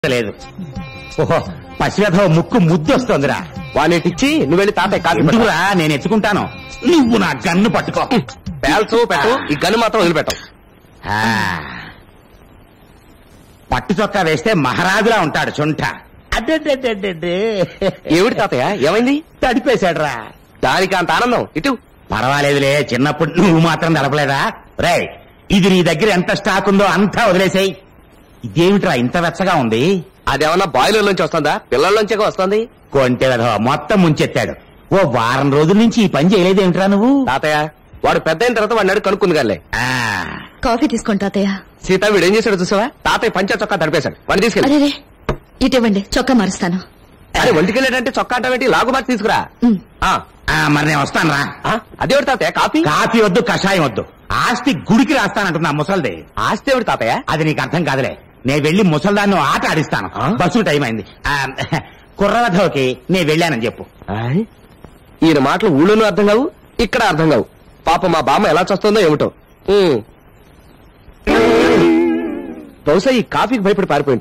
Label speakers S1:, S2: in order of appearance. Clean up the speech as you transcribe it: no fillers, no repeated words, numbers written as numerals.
S1: లేదు. ఓహో, పసివేధవ ముక్కు ముద్దొస్తోందిరా.
S2: వానేటిచ్చి నువ్వు వెళ్ళి తాతయ్య కాఫీ
S1: ఎందుకురా, నేను ఎత్తుకుంటాను. నువ్వు నా గన్ను పట్టుకో.
S2: పేల్చు పెట్టు, ఈ గన్ను మాత్రం వదిలిపెట్టవు.
S1: పట్టు చొక్కా వేస్తే మహారాజులా ఉంటాడు చుంట. అడ్డే
S2: ఏమిటి తాతయ్య, ఏమైంది?
S1: తడిపేశాడురా.
S2: దానికి అంత ఆనందం ఇటు.
S1: పర్వాలేదులే, చిన్నప్పుడు నువ్వు మాత్రం తడపలేదా? రే, ఇది నీ దగ్గర ఎంత స్టాక్ ఉందో అంతా వదిలేసాయి. ఇదేమిట్రా ఇంత వెచ్చగా ఉంది?
S2: అదేమన్నా బాయిలర్ నుంచి వస్తుందా, పిల్లల్లోంచే వస్తుంది?
S1: కొంటె వెధవ మొత్తం ముంచెత్తాడు. ఓ వారం రోజుల నుంచి ఈ పని చేయలేదేమిట్రా నువ్వు?
S2: తాతయ్య, వాడు పెద్ద అయిన తర్వాత వాడిని అడుగు కనుక్కుంది కానీ.
S3: కాఫీ తీసుకోండి తాతయ్య.
S2: సీత వీడు ఏం చేశాడు చూసావా? తాతయ్య పంచ చొక్కా తడిపేశాడు. వాడిని తీసుకెళ్ళి.
S3: అరే ఇటివ్వండి, చొక్కా మారుస్తాను.
S2: అరే ఒంటికెళ్ళాడంటే చొక్కా అంటావేంటి? లాగు మార్చి తీసుకురా.
S1: మరి నేను వస్తాను రా.
S2: అదేవిడు తాతయ్య, కాఫీ
S1: కాఫీ వద్దు, కషాయం వద్దు. ఆస్తి గుడికి రాస్తానంటున్నా ముసల్ది.
S2: ఆస్తి ఎవడు తాతయ్య?
S1: అది నీకు అర్థం కాదులే. నేను వెళ్లి ముసల్దాన్ని ఆట ఆడిస్తాను. బస్సు టైం అయింది. కుర్రవధవకి నేను వెళ్ళానని చెప్పు.
S2: ఈయన మాటలు ఊళ్ళోనూ అర్థం కావు, ఇక్కడ అర్థం కావు. పాప మా బామ్మ ఎలా చస్తుందో ఏమిటో. బహుశా ఈ కాఫీకి భయపడి పారిపోయింది.